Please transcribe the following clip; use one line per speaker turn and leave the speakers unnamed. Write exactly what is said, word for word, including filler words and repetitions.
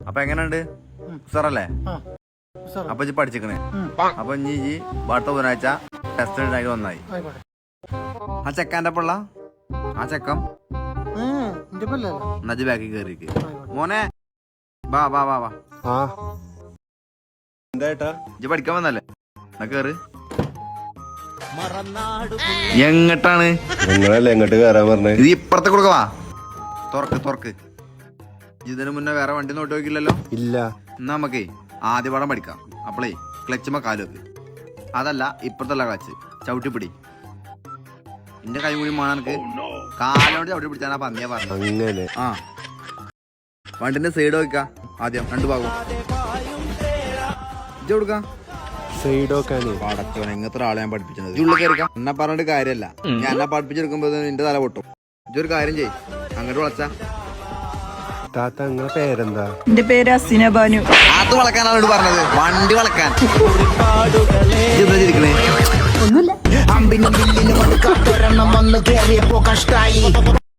അപ്പൊ എങ്ങനെയുണ്ട് സാറല്ലേ? അപ്പൊ ഇജ്ജ് പഠിച്ചിക്കണേ. അപ്പൊ ഇനി ഈ അടുത്ത ബുധനാഴ്ച ടെസ്റ്റ് ഉണ്ടാക്കി വന്നായി. ആ ചെക്കാന്റെ പിള്ള ആ ചെക്കം നജ് ബാക്കി കേറിക്ക് മോനെ. വാ വാ വാ വാ
എന്താ
ഇജ്ജ് പഠിക്കാൻ വന്നല്ലേ? എന്നാ കേറ്. എങ്ങട്ടാണ്
നിങ്ങളല്ലേ എങ്ങോട്ട് കയറാൻ പറഞ്ഞത്?
ഇത് ഇപ്പുറത്തെ കൊടുക്ക. വാ തുറക്ക് തുറക്ക്. ഇതിന് മുന്നേ വേറെ വണ്ടി നോട്ട് നോക്കില്ലല്ലോ?
ഇല്ല.
എന്നാ നമുക്കേ ആദ്യ പാഠം പഠിക്കാം. അപ്പളേ ക്ലച്ചുമ്മ കാല് വെക്ക്. അതല്ല ഇപ്പുറത്തല്ല ക്ലച്ച്, ചവിട്ടിപ്പിടി. എന്റെ കൈ കൂടി മാണ എനിക്ക് കാലോട് ചവിട്ടി പിടിച്ചാണ് ആ പന്നിയാ പറഞ്ഞു.
അങ്ങനെ
ആ വണ്ടിന്റെ സൈഡ് വെക്ക ആദ്യം രണ്ടു ഭാഗം ഇജ്ജ് കൊടുക്ക.
സൈഡോക്കാണ്
പടച്ചോനെ ഇങ്ങനത്തെ ആളെ ഞാൻ പഠിപ്പിച്ചത്. ഉള്ളിൽ കയറിക്കാം. എന്നെ പറഞ്ഞിട്ട് കാര്യമല്ല. ഞാൻ എന്നെ പഠിപ്പിച്ചെടുക്കുമ്പോ നിന്റെ തല പൊട്ടും. ഇജ്ജൊരു കാര്യം ചെയ്, അങ്ങോട്ട് വിളച്ചാ.
താത്ത നിങ്ങളെ പേരെന്താ?
എന്റെ പേര് അസിന ബാനു.
അത് വളക്കാനാണ് പറഞ്ഞത്, വണ്ടി വളക്കാൻ.
ഒന്നുമില്ല.